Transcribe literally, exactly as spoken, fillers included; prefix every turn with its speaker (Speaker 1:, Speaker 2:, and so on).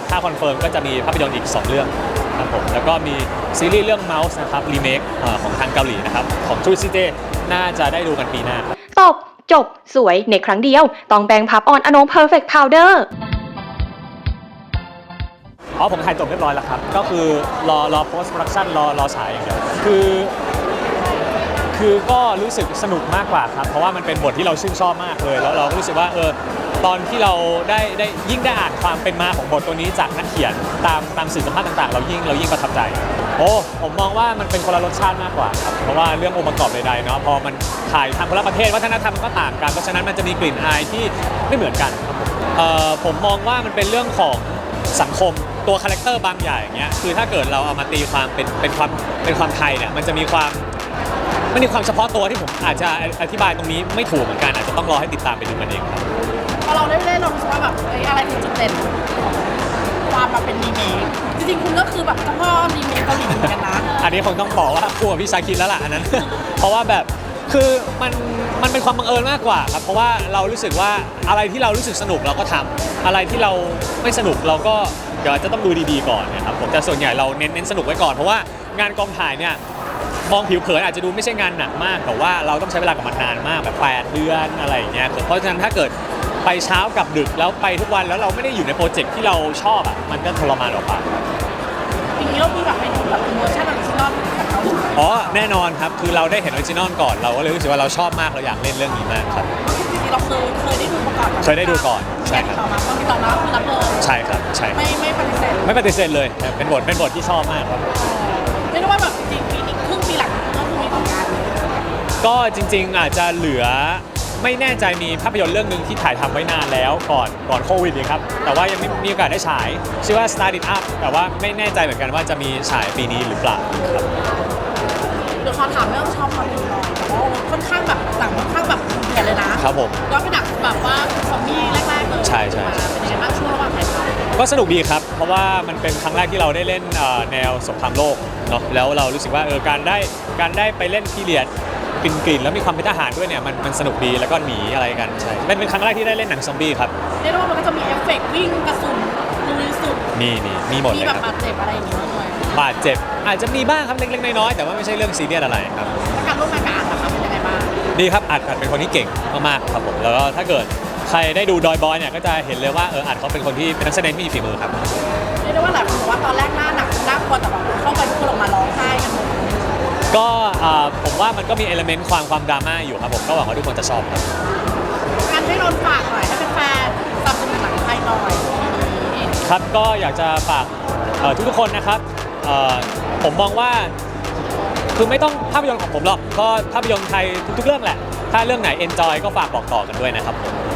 Speaker 1: ถ้าคอนเฟิร์มก็จะมีภาพยนตร์อีกสองเรื่องครับผมแล้วก็มีซีรีส์เรื่อง Mouse นะครับรีเมคของทางเกาหลีนะครับของ True City น่าจะได้ดูกันปีหน้า
Speaker 2: ตบจบสวยในครั้งเดียวต้องแบงพับออนอนง Perfect Powder
Speaker 1: อ๋อผมถ่ายจบเรียบร้อยแล้วครับก็คือรอรอ post production รอรอฉายอย่างเดียวคือคือก็รู้สึกสนุกมากกว่าครับเพราะว่ามันเป็นบทที่เราชื่นชอบมากเลยแล้วเราก็รู้สึกว่าเออตอนที่เราได้ได้ยิ่งได้อ่านความเป็นมาของบทตัวนี้จากนักเขียนตามตามสื่อสัมภาษณ์ต่างๆเรายิ่งเรายิ่งประทับใจโอ้ผมมองว่ามันเป็นคนละรสชาติมากกว่าครับเพราะว่าเรื่ององค์ประกอบใดๆเนาะพอมันถ่ายทางคนละประเทศวัฒนธรรมมันก็ต่างกันเพราะฉะนั้นมันจะมีกลิ่นอายที่ไม่เหมือนกันครับผมเอ่อผมมองว่ามันเป็นเรื่องของสังคมตัวคาแรคเตอร์บางอย่างอย่างเงี้ยคือถ้าเกิดเราเอามาตีความเป็นเป็นความเป็นความไทยเนี่ยมันจะมีความมันมีความเฉพาะตัวที่ผมอาจจะอธิบายตรงนี้ไม่ถูกเหมือนกันอาจจะต้องรอให้ติดตามไปดูมันเองครับ
Speaker 3: พอเราได้เล่นเรารู้สึกว่าแบบอะไรคือจุดเด่นความมาเป็นรีเมคจริงๆคุณก็คือแบบเจ้าพ่อรีเมคเกาหลีเหมือนกันนะ
Speaker 1: อันนี้คงต้องบอกว่าคู่กับพี่ชาคิดแล้วล่ะอันนั้น เพราะว่าแบบคือมันมันเป็นความบังเอิญมากกว่าครับเพราะว่าเรารู้สึกว่าอะไรที่เรารู้สึกสนุกเราก็ทำอะไรที่เราไม่สนุกเราก็เดี๋ยวจะต้องดูดีๆก่อนนะครับผมแต่ส่วนใหญ่เราเน้นเน้นสนุกไว้ก่อนเพราะว่างานกองถ่ายเนี่ยมองผิวเผินอาจจะดูไม่ใช่งานหนักมากแต่ว่าเราต้องใช้เวลากับมันนานมากแบบแปดเดือนอะไรอย่างเงี้ยเพราะฉะนั้นถ้าเกิดไปเช้ากับดึกแล้วไปทุกวันแล้วเราไม่ได้อยู่ในโปรเจกต์ที่เราชอบอ่ะมันก็ทรมานออกไป
Speaker 3: ทีนี้เรามีแบบไปดูแบบเวอร์ชันออริจินอลกับเขา
Speaker 1: อ๋อแน่นอนครับคือเราได้เห็นออริจินอลก่อนเราก็เลยรู้สึกว่าเราชอบมากเราอยากเล่นเรื่องนี้มากครับ
Speaker 3: จริงๆเราเคยเคยได้ดูมาก่อน
Speaker 1: เคยได้ดูก่อนใช่ครับ
Speaker 3: ต่อมาก็มีต่อมาคือรับเลย
Speaker 1: ใช่ครับใช่
Speaker 3: ไม่ไม่ปฏิเสธ
Speaker 1: ไม่ปฏิเสธเลยเป็นบทเป็นบทที่ชอบมากครับ
Speaker 3: ไม่รู้ว่าแบบจริงปีนี้ครึ่งปีหลังก็คือมีผลงาน
Speaker 1: ก็จริงๆอาจจะเหลือไม่แน่ใจมีภาพยนตร์เรื่องนึงที่ถ่ายทำไว้นานแล้วก่อนก่อนโควิดนี่ครับแต่ว่ายังไม่มีโอกาสได้ฉายชื่อว่า Start It Up แต่ว่าไม่แน่ใจเหมือนกันว่าจะมีฉายปีนี้หรือเปล่าครับ
Speaker 3: เดี๋ยวขอถามเรื่องชอบความเป็นน้อยแต่ว่าค่อนข้างแบบหนังค่อนข้างแบบเห็นเลยนะครับ
Speaker 1: ผม
Speaker 3: ก็เป็นหนังแบบว่าซอมบี้แรกๆเลย
Speaker 1: ใช่ใช่
Speaker 3: เป็นยังไงบ้างช่วงระหว่างถ่ายทำ
Speaker 1: ก็สนุกดีครับเพราะว่ามันเป็นครั้งแรกที่เราได้เล่นแนวสงครามโลกเนาะแล้วเรารู้สึกว่าเออการได้การได้ไปเล่นพีเรียดกลิ่นๆแล้วมีความเป็นทหารด้วยเนี่ยมันมันสนุกดีแล้วก็หนีอะไรกันใช่เป็นเป็นครั้งแรกที่ได้เล่นหนังซอมบี้ครับ
Speaker 3: เรียกว่ามันก็จะมีเอฟเฟกต์วิ่งกระสุนลุยสุด
Speaker 1: มีมีมีหมดเลย
Speaker 3: ครับมีแบบบาดเจ็บอะไรอย่างเงี้ยด้วย
Speaker 1: บาดเจ็บอาจจะมีบ้างครับเล็กๆน้อยๆแต่ว่าไม่ใช่เรื่องซีเรียสอะไรครับ
Speaker 3: การร่วมงานกับอัดนะคะเป็นยังไงบ้าง
Speaker 1: ดีครับอัดอัดเป็นคนที่เก่งมากๆครับผมแล้วก็ถ้าเกิดใครได้ดูดอยบอยเนี่ยก็จะเห็นเลยว่าเอออัดเขาเป็นคนที่เป็นนักแสดงที่มีฝีมือครับ
Speaker 3: เรียกได้ว่าหลายคนบอกว่าตอนแรกหน้าหนักน่ากลัวแต่แบบเข้าไปทุกคนออกมาร้องไห้กันหมด
Speaker 1: ก็ผมว่ามันก็มีเอลเมนต์ความความดราม่าอยู่ครับผมก็หวังว่าทุกคนจะชอบครับ
Speaker 3: การให้นนฝากหน่อยให้เป็นแฟนสนับสนุนหนังไทยหน่อย
Speaker 1: ครับก็อยากจะฝากทุกๆคนนะครับผมมองว่าคือไม่ต้องภาพยนตร์ของผมหรอกก็ภาพยนตร์ไทยทุกๆเรื่องแหละถ้าเรื่องไหนเอนจอยก็ฝากบอกต่อกันด้วยนะครับ